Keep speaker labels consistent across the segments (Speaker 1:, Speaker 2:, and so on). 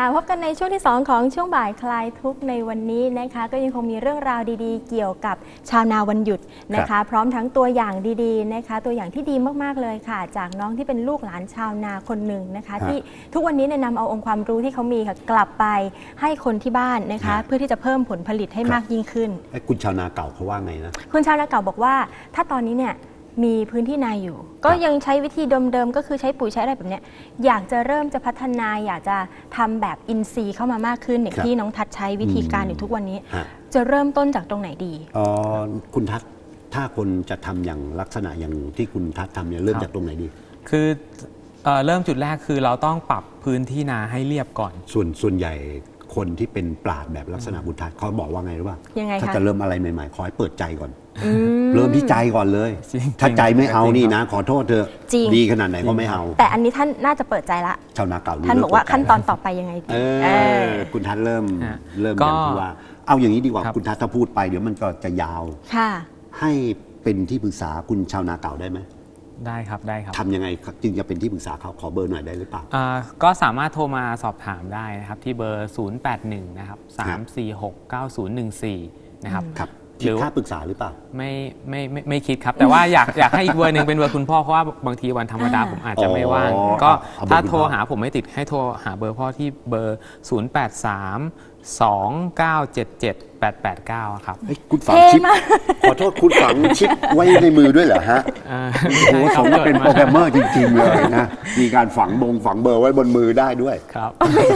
Speaker 1: พบกันในช่วงที่2ของช่วงบ่ายคลายทุกข์ในวันนี้นะคะก็ยังคงมีเรื่องราวดีๆเกี่ยวกับชาวนาวันหยุดนะคะพร้อมทั้งตัวอย่างดีๆนะคะตัวอย่างที่ดีมากๆเลยค่ะจากน้องที่เป็นลูกหลานชาวนาคนหนึ่งนะคะที่ทุกวันนี้นำเอาองค์ความรู้ที่เขามีค่ะกลับไปให้คนที่บ้านนะคะเพื่อที่จะเพิ่มผลผลิตให้มากยิ่งขึ้น
Speaker 2: คุณชาวนาเก่าเขาว่าไงนะ
Speaker 1: คุณชาวนาเก่าบอกว่าถ้าตอนนี้เนี่ยมีพื้นที่นาอยู่ก็ยังใช้วิธีเดิมๆก็คือใช้ปุ๋ยใช้อะไรแบบนี้อยากจะเริ่มจะพัฒนาอยากจะทำแบบอินทรีย์เข้ามามากขึ้นอย่างที่น้องทัศน์ใช้วิธีการอยู่ทุกวันนี้จะเริ่มต้นจากตรงไหนดี
Speaker 2: คุณทัศน์ถ้าคนจะทำอย่างลักษณะอย่างที่คุณทัศน์ทำเนี่ยเริ่มจากตรงไหนดี
Speaker 3: คือเริ่มจุดแรกคือเราต้องปรับพื้นที่นาให้เรียบก่อน
Speaker 2: ส่วนใหญ่คนที่เป็นปราชญ์แบบลักษณะคุณทัศน์เขาบอกว่าไงรู้ป่ะถ้าจะเริ่มอะไรใหม่ๆขอให้เปิดใจก่อนเริ่มที่ใจก่อนเลยถ้าใจไม่เอานี่นะขอโทษเธอดีขนาดไหนก็ไม่เอา
Speaker 1: แต่อันนี้ท่านน่าจะเปิดใจละ
Speaker 2: ชาวนาเก่า
Speaker 1: ท่านบอกว่าขั้นตอนต่อไปยังไงดี
Speaker 2: คุณทัศน์เริ่มอย่างที่ว่าเอาอย่างนี้ดีกว่าคุณทัศน์ถ้าพูดไปเดี๋ยวมันก็จะยาวให้เป็นที่ปรึกษาคุณชาวนาเก่าได้ไหม
Speaker 3: ได้ครับได้ครับ
Speaker 2: ทำยังไงจึงจะเป็นที่ปรึกษาเขาขอเบอร์หน่อยได้หรือเปล่า
Speaker 3: ก็สามารถโทรมาสอบถามได้นะครับที่เบอร์081นะครับ3469014นะครับ
Speaker 2: คิดค่าปรึกษาหรือเปล่า
Speaker 3: ไม่คิดครับแต่ว่าอยากให้อีกเบอร์หนึ่งเป็นเบอร์คุณพ่อเพราะว่าบางทีวันธรรมดาผมอาจจะไม่ว่างก็ถ้าโทรหาผมไม่ติดให้โทรหาเบอร์พ่อที่เบอร์08329778889ครับ
Speaker 2: คุณฝังชิปขอโทษคุณฝังชิปไว้ในมือด้วยเหรอฮะโอ้สมกับเป็นโปรแกรมเมอร์จริงๆเลยนะมีการฝังเบอร์ไว้บนมือได้ด้วย
Speaker 3: ครับ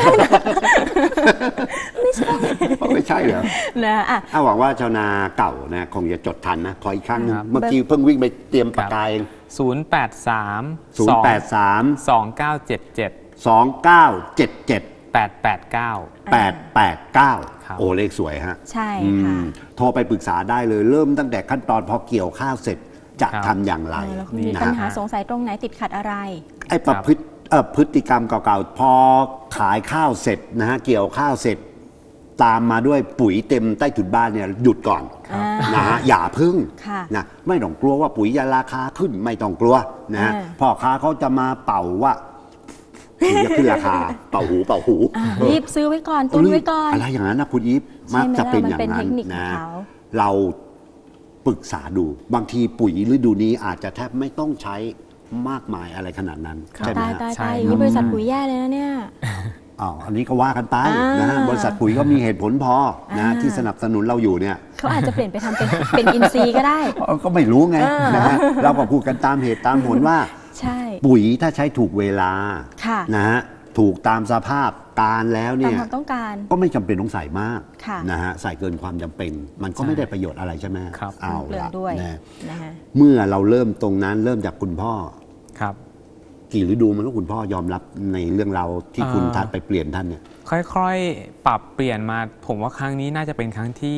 Speaker 2: ไม่ใช่เหรอ
Speaker 1: นะ
Speaker 2: หวังว่าชาวนาเก่านะคงจะจดทันนะขออีกครั้งนึงเมื่อกี้เพิ่งวิ่งไปเตรียมปากกาเอง
Speaker 3: 0832977 889
Speaker 2: โอ้เลขสวยฮะ
Speaker 1: ใช่ค่ะ
Speaker 2: โทรไปปรึกษาได้เลยเริ่มตั้งแต่ขั้นตอนพอเกี่ยวข้าวเสร็จจะทำอย่างไร
Speaker 1: มีปัญหาสงสัยตรงไหนติดขัดอะไร
Speaker 2: ไอ้พฤติกรรมเก่าๆพอขายข้าวเสร็จนะฮะเกี่ยวข้าวเสร็จตามมาด้วยปุ๋ยเต็มใต้ถุนบ้านเนี่ยหยุดก่อนนะฮะอย่าพึ่งนะไม่ต้องกลัวว่าปุ๋ยจะราคาขึ้นไม่ต้องกลัวนะพ่อค้าเขาจะมาเป่าว่าจะขึ้นราคาเป่าหู
Speaker 1: รีบซื้อไว้ก่อนตุนไว้ก่อน
Speaker 2: อะไรอย่างนั้นนะคุณอีฟมักจะเป็นอย่างนั้นนะเราปรึกษาดูบางทีปุ๋ยฤดูนี้อาจจะแทบไม่ต้องใช้มากมายอะไรขนาดนั้นใช่ไหม
Speaker 1: ใช่นี่บริษัทปุ๋ยแย่เลยนะเนี่ย
Speaker 2: อันนี้ก็ว่ากันไปนะฮะบริษัทปุ๋ยก็มีเหตุผลพอนะที่สนับสนุนเราอยู่เนี่ย
Speaker 1: เขาอาจจะเปลี่ยนไปทำเป็นอินทรีย์ก็ได้
Speaker 2: ก็ไม่รู้ไงนะฮะเราก็พูดกันตามเหตุตามผลว่าปุ๋ยถ้าใช้ถูกเวลานะฮะถูกตามสภาพการแล้วเนี่ยก็ไม่จำเป็นต้องใส่มากนะฮะใส่เกินความจำเป็นมันก็ไม่ได้ประโยชน์อะไรใช่ไหมเอาละนะเมื่อเราเริ่มตรงนั้นเริ่มจากคุณพ่อกี่ฤดูมันก็คุณพ่อยอมรับในเรื่องเราที่คุณทัศน์ไปเปลี่ยนท่านเนี่ย
Speaker 3: ค่อยๆปรับเปลี่ยนมาผมว่าครั้งนี้น่าจะเป็นครั้งที่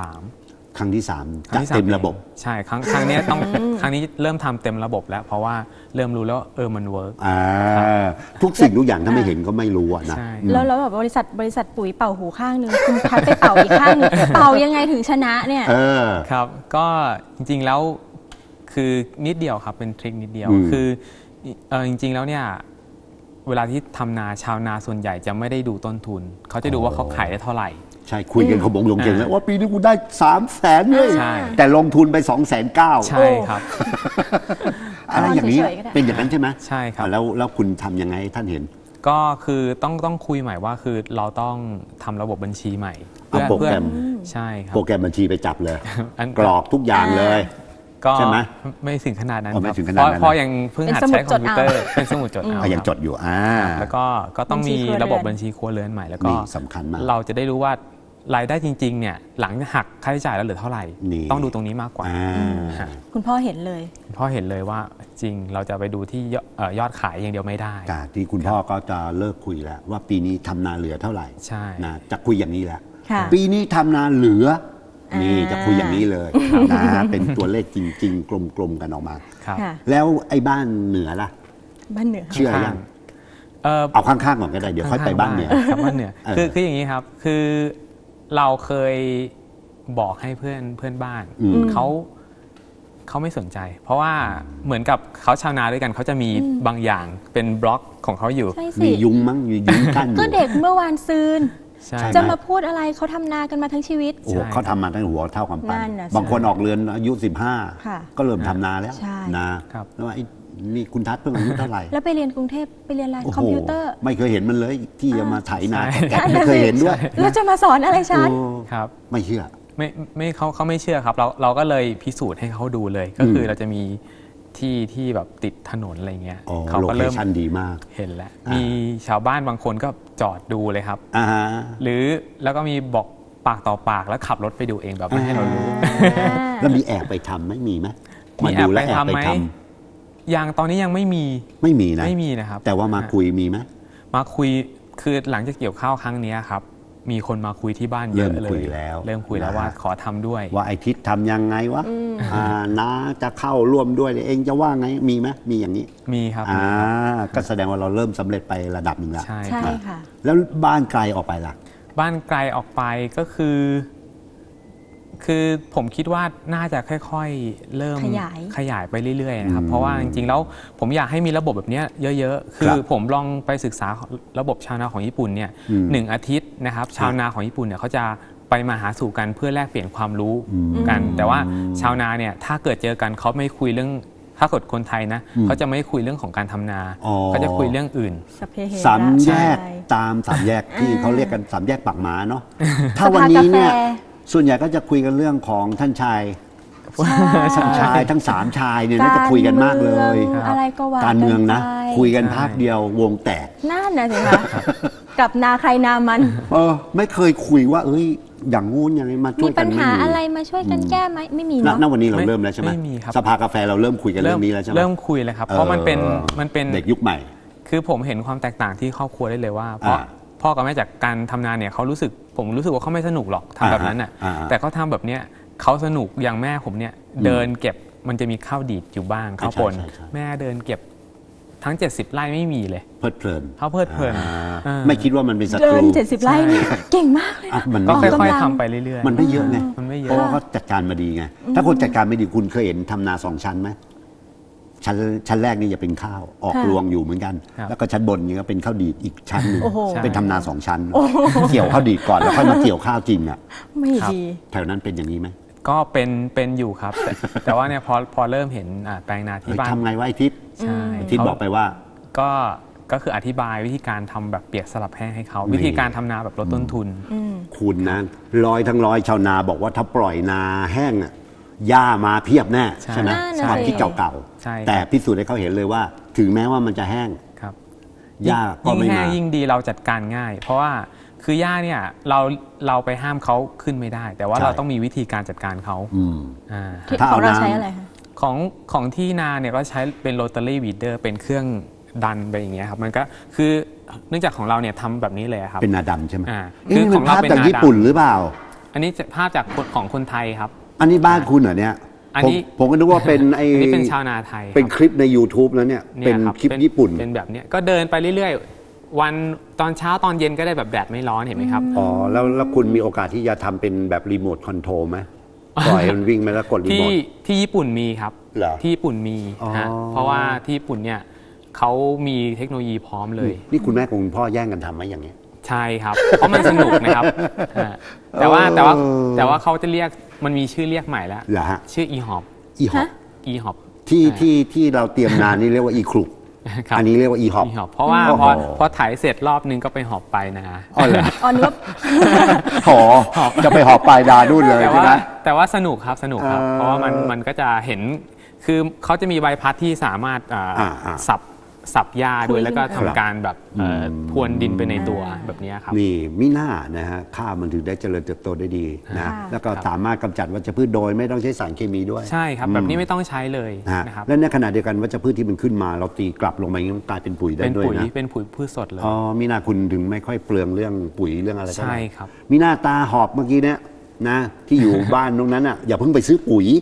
Speaker 3: 3
Speaker 2: ครั้งที่3จะเต็มระบบ
Speaker 3: ใช่ครั้งนี้ต้องครั้งนี้เริ่มทำเต็มระบบแล้วเพราะว่าเริ่มรู้แล้วมันเวิร์ก
Speaker 2: ทุกสิ่งทุกอย่างถ้าไม่เห็นก็ไม่รู้นะ
Speaker 1: แล้วแบบบริษัทปุ๋ยเป่าหูข้างนึงคุณทัศน์ไปเป่าอีกข้างนึงเป่ายังไงถึงชนะเนี่ย
Speaker 3: ครับก็จริงๆแล้วคือนิดเดียวครับเป็นทริคนิดเดียวคือจริงๆแล้วเนี่ยเวลาที่ทำนาชาวนาส่วนใหญ่จะไม่ได้ดูต้นทุนเขาจะดูว่าเขาขายได้เท่าไหร่
Speaker 2: ใช่คุยกันขบงลงเก่งแล้วว่าปีนี้กูได้300,000เลยแต่ลงทุนไป290,000
Speaker 3: ใช่ครับ
Speaker 2: อะไรอย่างนี้เป็นอย่างนั้นใช่ไหม
Speaker 3: ใช่ครับ
Speaker 2: แล้วคุณทำยังไงท่านเห็น
Speaker 3: ก็คือต้องคุยใหม่ว่าคือเราต้องทำระบบบัญชีใหม่
Speaker 2: โปรแกรม
Speaker 3: ใช่ครับ
Speaker 2: โปรแกรมบัญชีไปจับเลยกรอกทุกอย่างเลย
Speaker 3: ก็ไม่ถึงขนาดนั้นพอยังเพิ่งหัดใช้คอมพิวเตอร์เป็นสมุดจดเอา
Speaker 2: ยังจดอยู่
Speaker 3: แล้วก็ต้องมีระบบบัญชีครัวเรือนใหม่แล้วก็
Speaker 2: สำคัญมาก
Speaker 3: เราจะได้รู้ว่ารายได้จริงๆเนี่ยหลังหักค่าใช้จ่ายแล้วเหลือเท่าไหร่ต้องดูตรงนี้มากกว่า
Speaker 1: คุณพ่อเห็นเลย
Speaker 3: คุณพ่อเห็นเลยว่าจริงเราจะไปดูที่ยอดขายอย่างเดียวไม่ได้
Speaker 2: ที่คุณพ่อก็จะเลิกคุยแล้วว่าปีนี้ทำนาเหลือเท่าไหร่
Speaker 3: ใช่
Speaker 2: นะจะคุยอย่างนี้แหละปีนี้ทำนาเหลือนี่จะคุยอย่างนี้เลยนะเป็นตัวเลขจริงๆกลมๆกันออกมาแล้วไอ้บ้านเหนือล่ะ
Speaker 1: บ้านเหนือ
Speaker 2: เชื่อยังเอาข้างๆก่อนก็ได้เดี๋ยวค่อยไปบ้านเหนือ
Speaker 3: บ้านเหนือคืออย่างนี้ครับคือเราเคยบอกให้เพื่อนบ้านเขาไม่สนใจ เพราะว่าเหมือนกับเขาชาวนาด้วยกันเขาจะมีบางอย่างเป็นบล็อกของเขาอยู่
Speaker 2: มียุงมั้งมียุงกั้น
Speaker 1: ก็เด็กเมื่อวานซืนจะมาพูดอะไรเขาทำนากันมาทั้งชีวิต
Speaker 2: โอ้เขาทำมาตั้งหัวเท่ากับปั้นบางคนออกเรือนอายุ15ก็เริ่มทำนาแล้วนะแล้วว่านี่คุณทัศน์เพิ่งอายุเท่าไหร่
Speaker 1: แล้วไปเรียนกรุงเทพไปเรียนอะไรคอมพิวเตอร์
Speaker 2: ไม่เคยเห็นมันเลยที่จะมาไถนาไม่เคยเห็นด้วย
Speaker 1: แล้วจะมาสอนอะไรฉัน
Speaker 3: ครับ
Speaker 2: ไม่เชื่อ
Speaker 3: ไม่เขาไม่เชื่อครับเราก็เลยพิสูจน์ให้เขาดูเลยก็คือเราจะมีที่แบบติดถนนอะไรเงี้ย
Speaker 2: เขาก็เริ่มดีมาก
Speaker 3: เห็นแล้วมีชาวบ้านบางคนก็จอดดูเลยครับหรือแล้วก็มีบอกปากต่อปากแล้วขับรถไปดูเองแบบไม่ให้เรารู้
Speaker 2: แล้วมีแอบไปทำไม่มีไหม
Speaker 3: มีแอบไปทำไหมยังตอนนี้ยังไม่มี
Speaker 2: นะ
Speaker 3: ไม่มีนะครับ
Speaker 2: แต่ว่ามาคุยมีไหม
Speaker 3: มาคุยคือหลังจากเกี่ยวข้าวครั้งนี้ครับมีคนมาคุยที่บ้านเยอะเลยเริ่มคุยแล้วว่าขอทำด้วย
Speaker 2: ว่าไอทิศทำยังไงวะน้าจะเข้าร่วมด้วยเองจะว่าไงมีไหมมีอย่างนี้
Speaker 3: มีครับ
Speaker 2: ก็แสดงว่าเราเริ่มสำเร็จไประดับหนึ่งแล้ว
Speaker 1: ใช่ค่ะ
Speaker 2: แล้วบ้านไกลออกไปล่ะ
Speaker 3: บ้านไกลออกไปก็คือผมคิดว่าน่าจะค่อยๆเริ่มขยายไปเรื่อยๆนะครับเพราะว่าจริงๆแล้วผมอยากให้มีระบบแบบนี้เยอะๆคือผมลองไปศึกษาระบบชาวนาของญี่ปุ่นเนี่ย1 อาทิตย์นะครับชาวนาของญี่ปุ่นเนี่ยเขาจะไปมาหาสู่กันเพื่อแลกเปลี่ยนความรู้กันแต่ว่าชาวนาเนี่ยถ้าเกิดเจอกันเขาไม่คุยเรื่องถ้าเกิดคนไทยนะเขาจะไม่คุยเรื่องของการทำนาเขาจะคุยเรื่องอื่น
Speaker 2: สามแยกตามสามแยกที่เขาเรียกกันสามแยกปากหมาเนาะถ้าวันนี้เนี่ยส่วนใหญ่ก็จะคุยกันเรื่องของท่านชายทั้ง3ชายเนี่ยน่าจะคุยกันมากเลย
Speaker 1: อะไรก็ว่า
Speaker 2: การเมืองนะคุยกันภาคเดียววงแตก
Speaker 1: นั่นนะสิคะกับนาใครนามัน
Speaker 2: ไม่เคยคุยว่าอย่างงู้นอย่างนี้มาช่วยกัน
Speaker 1: มีปัญหาอะไรมาช่วยกันแก้ไหมไม่มีเนาะ
Speaker 2: ณวันนี้เราเริ่มแล้วใช่ไหมสภากาแฟเราเริ่มคุยกันเรื่องนี้แล้วใช่ไหม
Speaker 3: เริ่มคุยเลยครับเพราะมันเป็น
Speaker 2: เด็กยุคใหม่
Speaker 3: คือผมเห็นความแตกต่างที่ครอบครัวได้เลยว่าเพราะพ่อกับแม่จากการทำงานเนี่ยผมรู้สึกว่าเขาไม่สนุกหรอกทำแบบนั้นน่ะแต่เขาทำแบบเนี้ยเขาสนุกอย่างแม่ผมเนี่ยเดินเก็บมันจะมีข้าวดีดอยู่บ้างข้าวปนแม่เดินเก็บทั้ง70 ไร่ไม่มีเลย
Speaker 2: เพลิดเพลิน
Speaker 3: เขาเพลิดเพลิน
Speaker 2: ไม่คิดว่ามันเป็นศัตรู
Speaker 1: เดิน70 ไร่นี่เก่งมากเลย
Speaker 3: ก็ค่อยๆทำไปเรื่อย
Speaker 2: ๆมันไม่เยอะไงเพราะว่าเขาจัดการมาดีไงถ้าคนจัดการไม่ดีคุณเคยเห็นทำนา2 ชั้นไหมชั้นแรกนี่จะเป็นข้าวออกรวงอยู่เหมือนกันแล้วก็ชั้นบนนี่ก็เป็นข้าวดีดอีกชั้นนึงเป็นทำนา2 ชั้นเกี่ยวข้าวดีดก่อนแล้วค่อยมาเกี่ยวข้าวจริงอ่ะ
Speaker 1: ไม่ดี
Speaker 2: แถวนั้นเป็นอย่างนี้ไหม
Speaker 3: ก็เป็นอยู่ครับแต่ว่าเนี่ยพอเริ่มเห็นแปลงนาที่บ้าน
Speaker 2: ทำไงวะไอ้ทิศ
Speaker 3: ใช่
Speaker 2: ทิศบอกไปว่า
Speaker 3: ก็คืออธิบายวิธีการทำแบบเปียกสลับแห้งให้เขาวิธีการทำนาแบบลดต้นทุน
Speaker 2: คุณนะทั้งร้อยชาวนาบอกว่าถ้าปล่อยนาแห้งอ่ะหญ้ามาเพียบแน่ใช่ไหมความคิดเก่าๆแต่พิสูจน์ให้เขาเห็นเลยว่าถึงแม้ว่ามันจะแห้งหญ้าก็ไม่มา
Speaker 3: ยิ่งแห้งยิ่งดีเราจัดการง่ายเพราะว่าคือหญ้าเนี่ยเราไปห้ามเขาขึ้นไม่ได้แต่ว่าเราต้องมีวิธีการจัดการเขา
Speaker 1: ของเราใช้อะไรคะ
Speaker 3: ของที่นาเนี่ยก็ใช้เป็นโรตารี่วีดเดอร์เป็นเครื่องดันไปอย่างเงี้ยครับมันก็คือเนื่องจากของเราเนี่ยทำแบบนี้เลยครับ
Speaker 2: เป็นนาดำใช่ไหมคือของเราเป็นนาดำจากญี่ปุ่นหรือเปล่า
Speaker 3: อันนี้ภาพจากของคนไทยครับ
Speaker 2: อันนี้บ้านคุณเหรอเนี่ยผมก็นึกว่าเป็น
Speaker 3: นี่เป็นชาวนาไทย
Speaker 2: เป็นคลิปใน YouTube แล้วเนี่ยเป็นคลิปญี่ปุ่น
Speaker 3: เป็นแบบเนี้ยก็เดินไปเรื่อยๆวันตอนเช้าตอนเย็นก็ได้แบบแดดไม่ร้อนเห็นไหมครับ
Speaker 2: แล้วคุณมีโอกาสที่จะทำเป็นแบบรีโมทคอนโทรลไหมปล่อยมันวิ่งไปแล้วกดรีโมท
Speaker 3: ที่ญี่ปุ่นมีครับที่ญี่ปุ่นมีฮะเพราะว่าที่ญี่ปุ่นเนี่ยเขามีเทคโนโลยีพร้อมเลย
Speaker 2: นี่คุณแม่กับคุณพ่อแย่งกันทำไหมอย่างนี้
Speaker 3: ใช่ครับเพราะมันสนุกนะครับแต่ว่าเขาจะเรียกมันมีชื่อเรียกใหม่แล้วชื่ออีฮอป
Speaker 2: ที่เราเตรียมนานนี่เรียกว่าอีครุกอันนี้เรียกว่าอีฮอป
Speaker 3: เพราะว่าพอถ่ายเสร็จรอบนึงก็ไปหอบไปนะ
Speaker 2: อ๋อเหรอ
Speaker 1: นึก
Speaker 2: จะไปหอบไปดาดุนเลยใช่ไหม
Speaker 3: แต่ว่าสนุกครับเพราะว่ามันก็จะเห็นคือเขาจะมีใบพัดที่สามารถสับหญ้าด้วยแล้วก็ทำการแบบพรวนดินไปในตัวแบบนี้ครับ
Speaker 2: นี่มิน่านะฮะข้าวมันถึงได้เจริญเติบโตได้ดีนะแล้วก็สามารถกำจัดวัชพืชโดยไม่ต้องใช้สารเคมีด้วย
Speaker 3: ใช่ครับแบบนี้ไม่ต้องใช้เลยนะครับ
Speaker 2: และในขณะเดียวกันวัชพืชที่มันขึ้นมาเราตีกลับลงไปมันกลายเป็นปุ๋ยได้ด้วยนะ
Speaker 3: เป็นปุ๋ยพืชสดเลย
Speaker 2: มิน่าคุณถึงไม่ค่อยเปลืองเรื่องปุ๋ยเรื่องอะไร
Speaker 3: ใช่ครับ
Speaker 2: มิน่าตาหอบเมื่อกี้เนี่ยนะที่อยู่บ้านตรงนั้นอ่ะอย่าเพิ่งไปซื้อปุ๋ย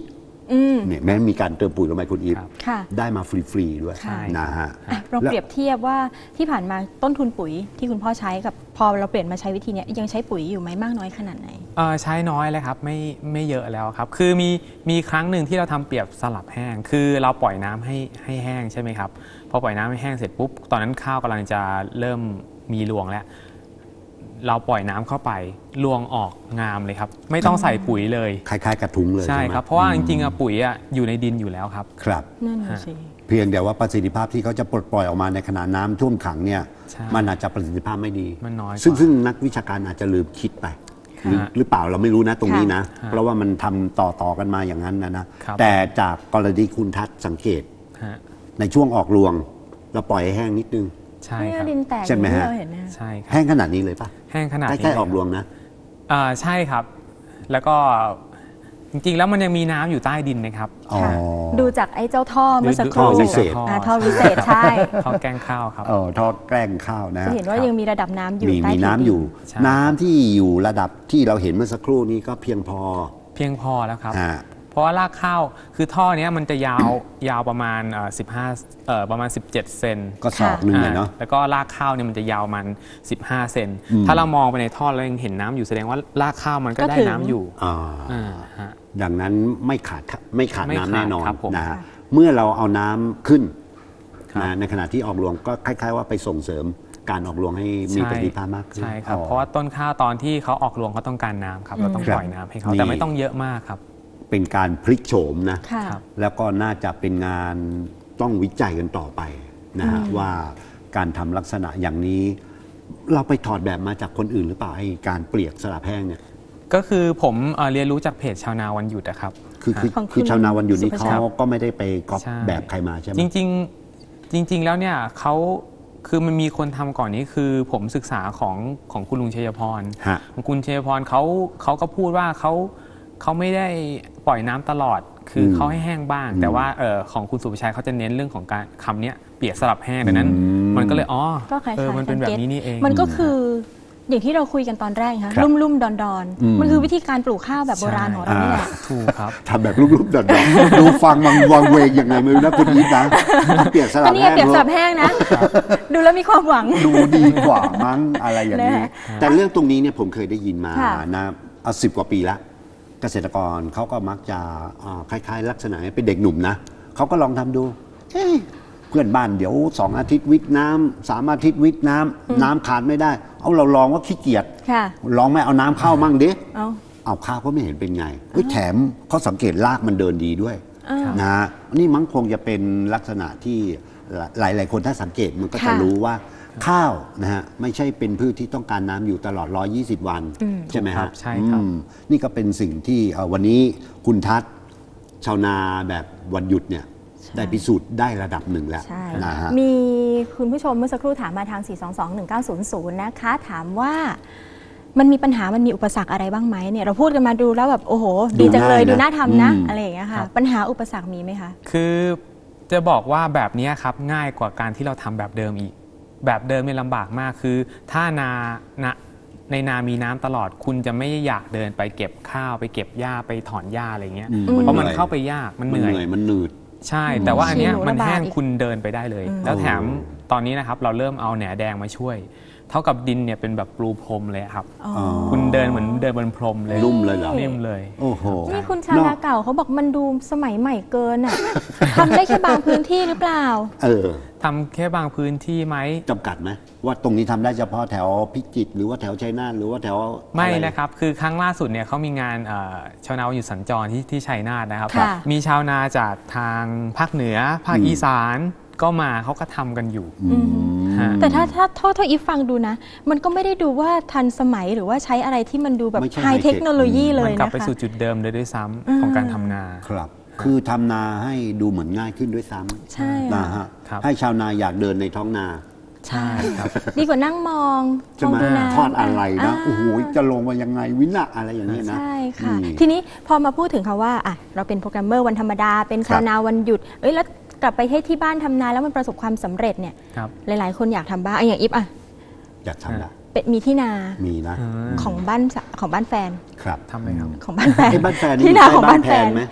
Speaker 2: เนี่ยแม้มีการเติมปุ๋ยลงไปคุณอีฟ
Speaker 1: ค่ะ
Speaker 2: ได้มาฟรีๆด้วย
Speaker 1: ใช่
Speaker 2: นะฮะ
Speaker 1: เราเปรียบเทียบว่าที่ผ่านมาต้นทุนปุ๋ยที่คุณพ่อใช้กับพอเราเปลี่ยนมาใช้วิธีนี้ยังใช้ปุ๋ยอยู่ไหมมากน้อยขนาดไหน
Speaker 3: ใช้น้อยเลยครับไม่เยอะแล้วครับคือมีครั้งหนึ่งที่เราทำเปรียบสลับแห้งคือเราปล่อยน้ำให้แห้งใช่ไหมครับพอปล่อยน้ำให้แห้งเสร็จปุ๊บตอนนั้นข้าวกำลังจะเริ่มมีรวงแล้วเราปล่อยน้ำเข้าไปรวงออกงามเลยครับไม่ต้องใส่ปุ๋ยเลย
Speaker 2: คล้ายๆกระทุ้งเลย
Speaker 3: ใช่ครับเพราะว่าจริงๆปุ๋ยอยู่ในดินอยู่แล้วครับ
Speaker 2: ครับ
Speaker 1: นั่นสิ
Speaker 2: เพียงแต่ว่าประสิทธิภาพที่เขาจะปลดปล่อยออกมาในขณะน้ำท่วมขังเนี่ยมันอาจจะประสิทธิภาพไม่ดี
Speaker 3: มันน้อย
Speaker 2: ซึ่งนักวิชาการอาจจะลืมคิดไปหรือเปล่าเราไม่รู้นะตรงนี้นะเพราะว่ามันทำต่อกันมาอย่างนั้นนะแต่จากกรณีคุณทัศน์สังเกตในช่วงออกรวงเราปล่อยให้แห้งนิดนึง
Speaker 3: ใช่ครับ
Speaker 2: ใช่ไหมฮะ
Speaker 3: ใช่
Speaker 2: แห้งขนาดนี้เลยปะ
Speaker 3: แห้งขนาด
Speaker 2: ใกล้ๆออกรวงนะ
Speaker 3: ใช่ครับแล้วก็จริงๆแล้วมันยังมีน้ำอยู่ใต้ดินนะครับ
Speaker 1: ดูจากไอ้เจ้าท่อเมื่อสักครู่
Speaker 2: ท่อวิเศษ
Speaker 1: ท่อวิเศษใช่
Speaker 3: ท่อแกล้งข้าวครับ
Speaker 2: ท่อแกล้งข้าวนะ
Speaker 1: จะเห็นว่ายังมีระดับน้ำอยู่
Speaker 2: มีน้ำอยู่น้ำที่อยู่ระดับที่เราเห็นเมื่อสักครู่นี้ก็เพียงพอ
Speaker 3: แล้วครับเพราะว่ารากข้าวคือท่อนี้มันจะยาวประมาณประมาณ17 เซน
Speaker 2: ก็ศอกนึงเลยเนาะ
Speaker 3: แล้วก็รากข้าวเนี่ยมันจะยาวมัน15 เซนถ้าเรามองไปในท่อแล้วยังเห็นน้ำอยู่แสดงว่ารากข้าวมันก็ได้น้ำอยู่
Speaker 2: ดังนั้นไม่ขาดน้ำแน่นอนนะฮะเมื่อเราเอาน้ำขึ้นในขณะที่ออกรวงก็คล้ายๆว่าไปส่งเสริมการออกรวงให้มีประสิทธิภาพมากขึ้น
Speaker 3: ใช่ครับเพราะว่าต้นข้าวตอนที่เขาออกรวงเขาต้องการน้ำครับเราต้องปล่อยน้ำให้เขาแต่ไม่ต้องเยอะมากครับ
Speaker 2: เป็นการพลิกโฉมนะแล้วก็น่าจะเป็นงานต้องวิจัยกันต่อไปนะฮะว่าการทำลักษณะอย่างนี้เราไปถอดแบบมาจากคนอื่นหรือเปล่าให้การเปลียกสลับแห้งเนี่ย
Speaker 3: ก็คือผมเรียนรู้จากเพจชาวนาวันหยุดนะครับ
Speaker 2: คือชาวนาวันหยุดนี้เขาก็ไม่ได้ไปก๊อปแบบใครมาใช่ไหม
Speaker 3: จริงแล้วเนี่ยเขาคือมันมีคนทำก่อนนี้คือผมศึกษาของคุณลุงชัยพรของคุณชัยพรเขาก็พูดว่าเขาไม่ได้ปล่อยน้ำตลอดคือเขาให้แห้งบ้างแต่ว่าของคุณสุภชัยเขาจะเน้นเรื่องของการคำนี้เปียกสลับแห้งดังนั้นมันก็เลยมันเป็นแบบนี้นี่เอง
Speaker 1: มันก็คืออย่างที่เราคุยกันตอนแรกค่ะลุ่มๆดอนๆมันคือวิธีการปลูกข้าวแบบโบราณของเรานี่แหละ
Speaker 3: ถูกครับ
Speaker 2: ทำแบบลุ่มๆดอนๆดูฟังวังเวงยังไงไม่รู้นะคุณอีฟนะเปียกสลับแห้ง
Speaker 1: เปียกสลับแห้งนะดูแล้วมีความหวัง
Speaker 2: ดูดีกว่ามั้งอะไรอย่างนี้แต่เรื่องตรงนี้เนี่ยผมเคยได้ยินมานะเอา10 กว่าปีละเกษตรกรเขาก็มักจะคล้ายๆลักษณะเป็นเด็กหนุ่มนะเขาก็ลองทำดูเพื่อนบ้านเดี๋ยว2 อาทิตย์วิทน้ำ3 อาทิตย์วิทน้ำขาดไม่ได้เอาเราลองว่าขี้เกียจลองไม่เอาน้ำเข้ามั่งดิเอาข้าวก็ไม่เห็นเป็นไงแถมเขาสังเกตรากมันเดินดีด้วยนะนี่มั้งคงจะเป็นลักษณะที่หลายๆคนถ้าสังเกตมันก็จะรู้ว่าข้าวนะฮะไม่ใช่เป็นพืชที่ต้องการน้ำอยู่ตลอด120 วันใช่ไหมครับ
Speaker 3: ใช่ครับ
Speaker 2: นี่ก็เป็นสิ่งที่วันนี้คุณทัศน์ชาวนาแบบวันหยุดเนี่ยได้พิสูจน์ได้ระดับหนึ่งแล้วนะฮะ
Speaker 1: มีคุณผู้ชมเมื่อสักครู่ถามมาทาง 4221900 นะคะถามว่ามันมีปัญหามันมีอุปสรรคอะไรบ้างไหมเนี่ยเราพูดกันมาดูแล้วแบบโอ้โหดีจังเลยดูน่าทำนะอะไรอย่างเงี้ยค่ะปัญหาอุปสรรคมีไหมคะ
Speaker 3: คือจะบอกว่าแบบนี้ครับง่ายกว่าการที่เราทำแบบเดิมอีกแบบเดิมเนี่ยลำบากมากคือถ้าในนามีน้ำตลอดคุณจะไม่อยากเดินไปเก็บข้าวไปเก็บหญ้าไปถอนหญ้าอะไรเงี้ยเพราะมันเข้าไปยากมันเหนื่อย
Speaker 2: มันหนืด
Speaker 3: ใช่แต่ว่าอันเนี้ยมันแห้งคุณเดินไปได้เลยแล้วแถมตอนนี้นะครับเราเริ่มเอาแหนแดงมาช่วยเท่ากับดินเนี่ยเป็นแบบปลูพรมเลยครับคุณเดินเหมือนเดินบนพรมเลย
Speaker 2: นุ่มเลยเหรอ
Speaker 3: นิ่มเลย
Speaker 2: โอ้โห
Speaker 1: นี่คุณชาวนาเก่าเขาบอกมันดูสมัยใหม่เกินอ่ะทำได้แค่บางพื้นที่หรือเปล่า
Speaker 3: ทำแค่บางพื้นที่ไหม
Speaker 2: จำกัดไหมว่าตรงนี้ทำได้เฉพาะแถวพิจิตรหรือว่าแถวชัยนาทหรือว่าแถว
Speaker 3: ไม่นะครับคือครั้งล่าสุดเนี่ยเขามีงานชาวนาอยู่สัญจรที่ชัยนาทนะครับมีชาวนาจากทางภาคเหนือภาคอีสานก็มาเขาก็ทำกันอยู่
Speaker 1: แต่ถ้าอีฟฟังดูนะมันก็ไม่ได้ดูว่าทันสมัยหรือว่าใช้อะไรที่มันดูแบบไฮเทคโนโลยีเลยนะคะ
Speaker 3: มันกลับไปสู่จุดเดิมเลยด้วยซ้ำของการทำนา
Speaker 2: ครับคือทำนาให้ดูเหมือนง่ายขึ้นด้วยซ้
Speaker 1: ำใช่
Speaker 2: นะฮะให้ชาวนาอยากเดินในท้องนา
Speaker 1: ใช่ครับดีกว่านั่งมอง
Speaker 2: ดูนาทอดอะไรนะโอ้โหจะลงมายังไงวินะอะไรอย่างนี้นะ
Speaker 1: ใช่ค่ะทีนี้พอมาพูดถึงคำว่าเราเป็นโปรแกรมเมอร์วันธรรมดาเป็นชาวนาวันหยุดแล้วกลับไปให้ที่บ้านทำนาแล้วมันประสบความสำเร็จเนี่ยหลายๆคนอยากทำบ้างอย่างอิฟ
Speaker 2: อยากทำนะ
Speaker 1: มีที่นา
Speaker 2: มีนะ
Speaker 1: ของบ้านแฟน
Speaker 2: ครับ
Speaker 3: ทำไหมครับ
Speaker 1: ของบ้านแฟน
Speaker 2: บ้านแฟน
Speaker 1: ที่นาของบ้านแฟน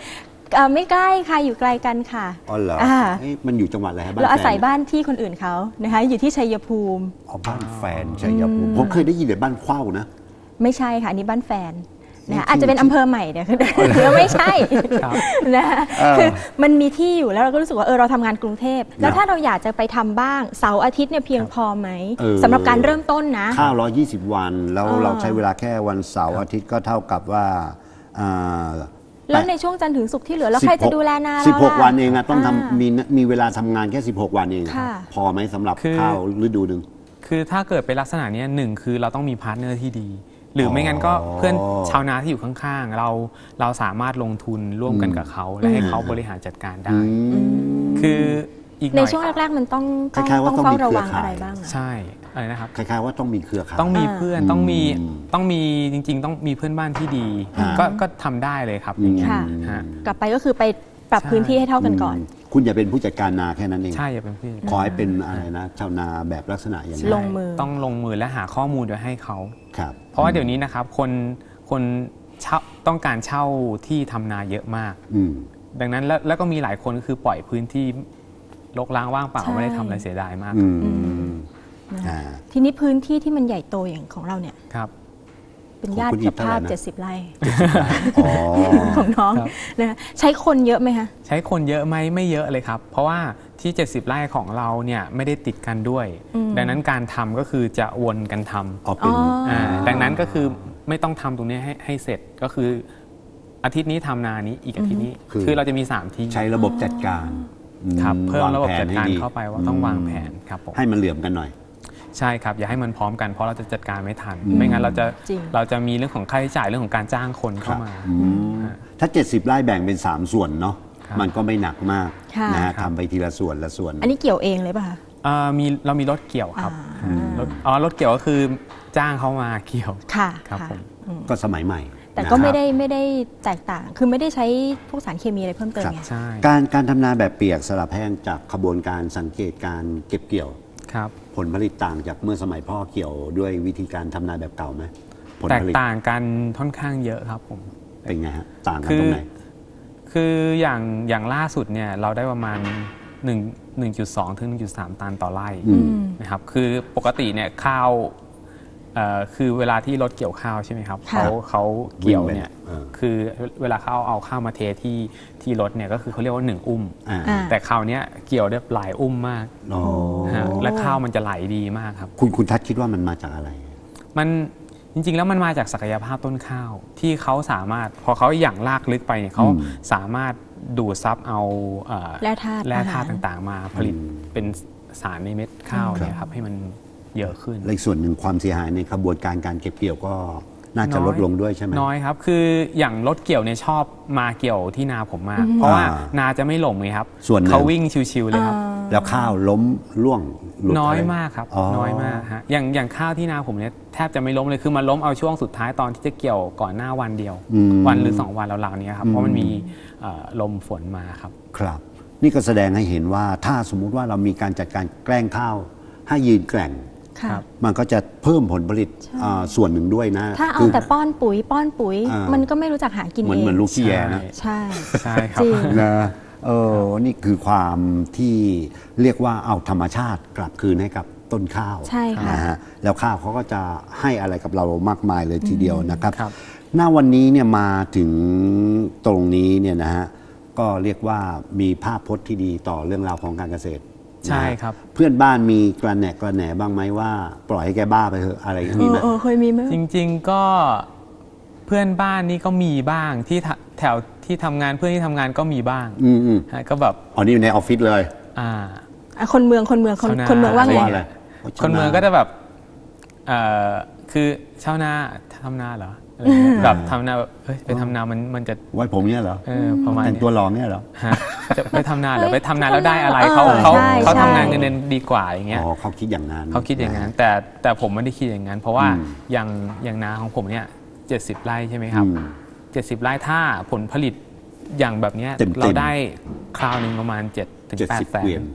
Speaker 1: ไม่ใกล้ค่ะอยู่ไกลกันค่ะ
Speaker 2: อ๋อเหรอมันอยู่จังหวัดอะไรครับ
Speaker 1: เราอาศัยบ้านที่คนอื่นเขานะคะอยู่ที่ชัยภูมิ
Speaker 2: บ้านแฟนชัยภูมิผมเคยได้ยินแต่บ้านเข้านะ
Speaker 1: ไม่ใช่ค่ะอันนี้บ้านแฟนนะอาจจะเป็นอำเภอใหม่เนี่ยคือไม่ใช่นะคือมันมีที่อยู่แล้วเราก็รู้สึกว่าเราทำงานกรุงเทพแล้วถ้าเราอยากจะไปทำบ้างเสาร์อาทิตย์เนี่ยเพียงพอไหมสำหรับการเริ่มต้นนะ
Speaker 2: ข้าว120 วันแล้วเราใช้เวลาแค่วันเสาร์อาทิตย์ก็เท่ากับว่า
Speaker 1: แล้วในช่วงจันทร์ถึงศุกร์ที่เหลือแล้วใครจะดูแลนาเรา
Speaker 2: 16 วันเองต้องทำมีเวลาทำงานแค่16 วันเองพอไหมสำหรับข้าวฤดูหนึ่ง
Speaker 3: คือถ้าเกิดเป็นลักษณะนี้หนึ่งคือเราต้องมีพาร์ทเนอร์ที่ดีหรือไม่งั้นก็เพื่อนชาวนาที่อยู่ข้างๆเราสามารถลงทุนร่วมกันกับเขาและให้เขาบริหารจัดการได้คืออีก
Speaker 1: ในช่วงแรกๆมันต้องเฝ้าระวังอะไรบ้าง
Speaker 3: ใช่อะไรนะครับ
Speaker 2: คล้ายๆว่าต้องมีเครือข่าย
Speaker 3: ต้องมีเพื่อนต้องมีจริงๆต้องมีเพื่อนบ้านที่ดีก็ทำได้เลยครับอย่างเงี้ย
Speaker 1: กลับไปก็คือไปปรับพื้นที่ให้เท่ากันก่อน
Speaker 2: คุณอย่าเป็นผู้จัดการนาแค่นั้นเอง
Speaker 3: ใช่อย่าเป็นผู้
Speaker 2: ขอให้เป็นอะไรนะชาวนาแบบลักษณะอย่างนี้
Speaker 1: ลงมือ
Speaker 3: ต้องลงมือและหาข้อมูลโดยให้เขา
Speaker 2: ครับ
Speaker 3: เพราะว่าเดี๋ยวนี้นะครับคนต้องการเช่าที่ทำนาเยอะมากดังนั้นแล้วก็มีหลายคนคือปล่อยพื้นที่รกร้างว่างเปล่าไม่ได้ทำอะไรเสียดายมาก
Speaker 1: ทีนี้พื้นที่ที่มันใหญ่โตอย่างของเราเนี่ย
Speaker 3: ครับ
Speaker 1: เป็นญาติกับภาพ70 ไร่ของน้องนะใช้คนเยอะไหมคะ
Speaker 3: ใช้คนเยอะไหมไม่เยอะเลยครับเพราะว่าที่70 ไร่ของเราเนี่ยไม่ได้ติดกันด้วยดังนั้นการทำก็คือจะวนกันทำดังนั้นก็คือไม่ต้องทำตรงนี้ให้เสร็จก็คืออาทิตย์นี้ทำนานี้อีกอาทิตย์นี้คือเราจะมี3ที่
Speaker 2: ใช้ระบบจัดการ
Speaker 3: ครับเพิ่มระบบจัดการเข้าไปว่าต้องวางแผนครับผม
Speaker 2: ให้มันเหลื่อมกันหน่อย
Speaker 3: ใช่ครับอย่าให้มันพร้อมกันเพราะเราจะจัดการไม่ทันไม่งั้นเราจะมีเรื่องของค่าใช้จ่ายเรื่องของการจ้างคนเข้ามา
Speaker 2: ถ้า70 ไร่แบ่งเป็น3 ส่วนเนาะมันก็ไม่หนักมากนะทำไปทีละส่วนละส่วน
Speaker 1: อันนี้เกี่ยวเองเลยป่ะคะ
Speaker 3: เรามีรถเกี่ยวครับรถเกี่ยวก็คือจ้างเขามาเกี่ยว
Speaker 1: ค่ะ
Speaker 3: ครับผม
Speaker 2: ก็สมัยใหม่
Speaker 1: แต่ก็ไม่ได้แตกต่างคือไม่ได้ใช้พวกสารเคมีอะไรเพิ่มเติมไง
Speaker 2: การทำนาแบบเปียกสลับแห้งจากขบวนการสังเกตการเก็บเกี่ยวผลผลิตต่างจากเมื่อสมัยพ่อเกี่ยวด้วยวิธีการทำนาแบบเก่าไหม
Speaker 3: แตกต่างกันค่อนข้างเยอะครับผม
Speaker 2: เป็นไงฮะต่างกันตรงไหน
Speaker 3: คืออย่างล่าสุดเนี่ยเราได้ประมาณ1.2 ถึง 1.3 ตันต่อไร่นะครับคือปกติเนี่ยข้าวคือเวลาที่รถเกี่ยวข้าวใช่ไหมครับเขาเกี่ยวเนี่ยคือเวลาเขาเอาข้าวมาเทที่รถเนี่ยก็คือเขาเรียกว่า1 อุ้มแต่คราวนี้เกี่ยวได้หลายอุ้มมากและข้าวมันจะไหลดีมากครับ
Speaker 2: คุณทัศน์คิดว่ามันมาจากอะไร
Speaker 3: มันจริงๆแล้วมันมาจากศักยภาพต้นข้าวที่เขาสามารถพอเขาอย่างลากลึกไปเนี่ยเขาสามารถดูดซับเอาแร่ธาตุต่างๆมาผลิตเป็นสารในเม็ดข้าวเนี่ยครับให้มันเยอะขึ้น
Speaker 2: และอีกส่วนหนึ่งความเสียหายในกระบวนการการเก็บเกี่ยวก็น่าจะลดลงด้วยใช่ไหม
Speaker 3: น้อยครับคืออย่างรถเกี่ยวเนี่ยชอบมาเกี่ยวที่นาผมมากเพราะว่านาจะไม่หล่มไงครับเขาวิ่งชิวๆเลยครับ
Speaker 2: แล้วข้าวล้มร่วง
Speaker 3: น้อยมากครับน้อยมากฮะอย่างข้าวที่นาผมเนี่ยแทบจะไม่ล้มเลยคือมันล้มเอาช่วงสุดท้ายตอนที่จะเกี่ยวก่อนหน้าวันเดียววันหรือ2 วันแล้วๆนี้ครับเพราะมันมีลมฝนมาครับ
Speaker 2: ครับนี่ก็แสดงให้เห็นว่าถ้าสมมุติว่าเรามีการจัดการแกล้งข้าวให้ยืนแกร่งมันก็จะเพิ่มผลผลิตส่วนหนึ่งด้วยนะ
Speaker 1: ถ้าเอาแต่ป้อนปุ๋ยมันก็ไม่รู้จักหากินเอง
Speaker 2: เหมือนลูกขี้แยนะ
Speaker 1: ใช่
Speaker 3: ครับ
Speaker 2: นะนี่คือความที่เรียกว่าเอาธรรมชาติกลับคืนให้กับต้นข้าว
Speaker 1: ใช่ค่ะ
Speaker 2: นะฮะแล้วข้าวเขาก็จะให้อะไรกับเรามากมายเลยทีเดียวนะครับหน้าวันนี้เนี่ยมาถึงตรงนี้เนี่ยนะฮะก็เรียกว่ามีภาพพจน์ที่ดีต่อเรื่องราวของการเกษตร
Speaker 3: ใช่ครับ
Speaker 2: เพื่อนบ้านมีกระแหน่บ้างไหมว่าปล่อยให้แกบ้าไปเถอะอะไรมีไหม
Speaker 1: เคยมีไหม
Speaker 3: จริงๆก็เพื่อนบ้านนี่ก็มีบ้างที่แถวที่ทำงานเพื่อนที่ทำงานก็มีบ้างก็แบบ
Speaker 2: อ๋อนี่อยู่ในออฟฟิศเลย
Speaker 1: คนเมืองว่าไง
Speaker 3: คนเมืองก็จะแบบคือชาวนาทำนาเหรอแบบทำนาไปทำนามันจะ
Speaker 2: ไว้ผมเนี่ยเหรอ
Speaker 3: ประมาณ
Speaker 2: แต่งตัวหล่อเนี่ยเหรอ
Speaker 3: จะไปทำนาหรือไปทำนาแล้วได้อะไรเขาทำงานเงินเดือนดีกว่าอย่างเงี้ย
Speaker 2: เขาคิดอย่างนั้น
Speaker 3: แต่ผมไม่ได้คิดอย่างนั้นเพราะว่าอย่างนาของผมเนี่ย70 ไร่ใช่ไหมครับ70 ไร่ถ้าผลผลิตอย่างแบบนี้เราได้คราวนึงประมาณ7 ถึง 8 แสน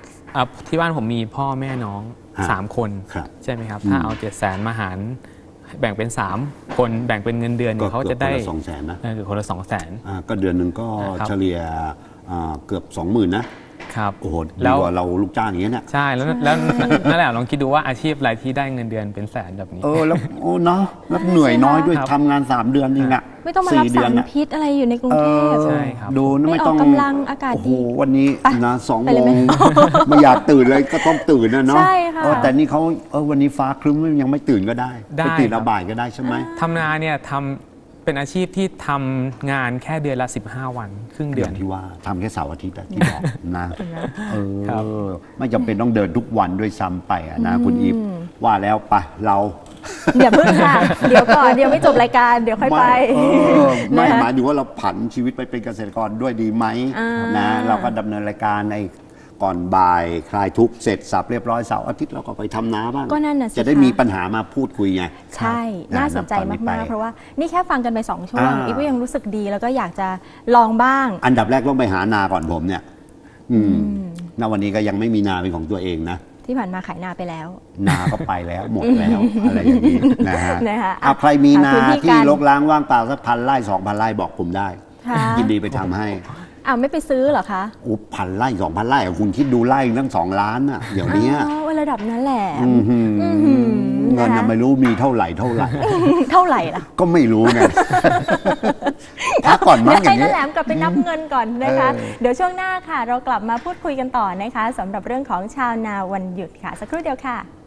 Speaker 3: ที่บ้านผมมีพ่อแม่น้อง3 คนใช่ไหมครับถ้าเอา700,000มาหารแบ่งเป็น3คนแบ่งเป็นเงินเดือนเนี่ยเขาจะได้
Speaker 2: คนละ200,000นะ
Speaker 3: คือคนละ200,000
Speaker 2: ก็เดือนหนึ่งก็เฉลี่ยเกือบ 20,000นะครับโอ้โหดีกว่าเราลูกจ้างอย่างเงี้ยเนี่ย
Speaker 3: ใช่แล้วนั่นแหละลองคิดดูว่าอาชีพอะไรที่ได้เงินเดือนเป็นแสนแบบนี้
Speaker 2: แล้วโอ้เนาะแล้วเหนื่อยน้อยด้วยทำงาน3 เดือนเองอะ
Speaker 1: ไม่ต้องมารับสารพิษอะไรอยู่ในกรุงเทพ
Speaker 3: ใช่ครับ
Speaker 2: ดูไม่ต้อง
Speaker 1: กำลังอากาศดี
Speaker 2: โอ้โหวันนี้นะ2 โมงไม่อยากตื่นเลยก็ต้องตื่นนะเนาะ
Speaker 1: ใช่ค่ะ
Speaker 2: แต่นี่เขาวันนี้ฟ้าครึ้มยังไม่ตื่นก็ได้ไปตื่นบ่ายก็ได้ใช่ไหม
Speaker 3: ทำนาเนี่ยเป็นอาชีพที่ทำงานแค่เดือนละ15 วันครึ่งเดือน
Speaker 2: ที่ว่าทำแค่เสาร์อาทิตย์ที่บอกนะไม่จำเป็นต้องเดินทุกวันด้วยซ้ำไปนะคุณอีฟว่าแล้วไปเรา
Speaker 1: อย่าเพิ่งค่ะเดี๋ยวก่อนเดี๋ยวไม่จบรายการเดี๋ยวค่อยไป
Speaker 2: ไม่หมายถึงว่าเราผันชีวิตไปเป็นเกษตรกรด้วยดีไหมนะเราก็ดำเนินรายการในก่อนบ่ายคลายทุกข์เสร็จสับเรียบร้อยเสาร์อาทิตย์เราก็ไปทำนาบ้าง
Speaker 1: ก็นั่นน่ะสิ
Speaker 2: จะได้มีปัญหามาพูดคุยไง
Speaker 1: ใช่น่าสนใจมากๆเพราะว่านี่แค่ฟังกันไป2 ช่วงอีฟก็ยังรู้สึกดีแล้วก็อยากจะลองบ้าง
Speaker 2: อันดับแรกต้องไปหานาก่อนผมเนี่ยณวันนี้ก็ยังไม่มีนาเป็นของตัวเองนะ
Speaker 1: ที่ผ่านมาขายนาไปแล้ว
Speaker 2: นาก็ไปแล้วหมดแล้วอะไรอย่างนี้นะฮะใครมีนาที่รกร้างว่างเปล่าสัก1,000 ไร่ 2,000 ไร่บอกผมได้ยินดีไปทำให้
Speaker 1: ไม่ไปซื้อเหรอคะ
Speaker 2: 1,000 ไร่ 2,000 ไร่คุณคิดดูไร่ตั้ง2 ล้านอ่ะเดี๋ยวนี้
Speaker 1: ระดับนั้นแหละ
Speaker 2: เงินยังไม่รู้มีเท่าไหร่เท่าไหร่
Speaker 1: ล่ะ
Speaker 2: ก็ไม่รู้ไงพักก่อนมั้งอย่างนี้
Speaker 1: ให้น้าแหลมกลับไปนับเงินก่อนนะคะเดี๋ยวช่วงหน้าค่ะเรากลับมาพูดคุยกันต่อนะคะสำหรับเรื่องของชาวนาวันหยุดค่ะสักครู่เดียวค่ะ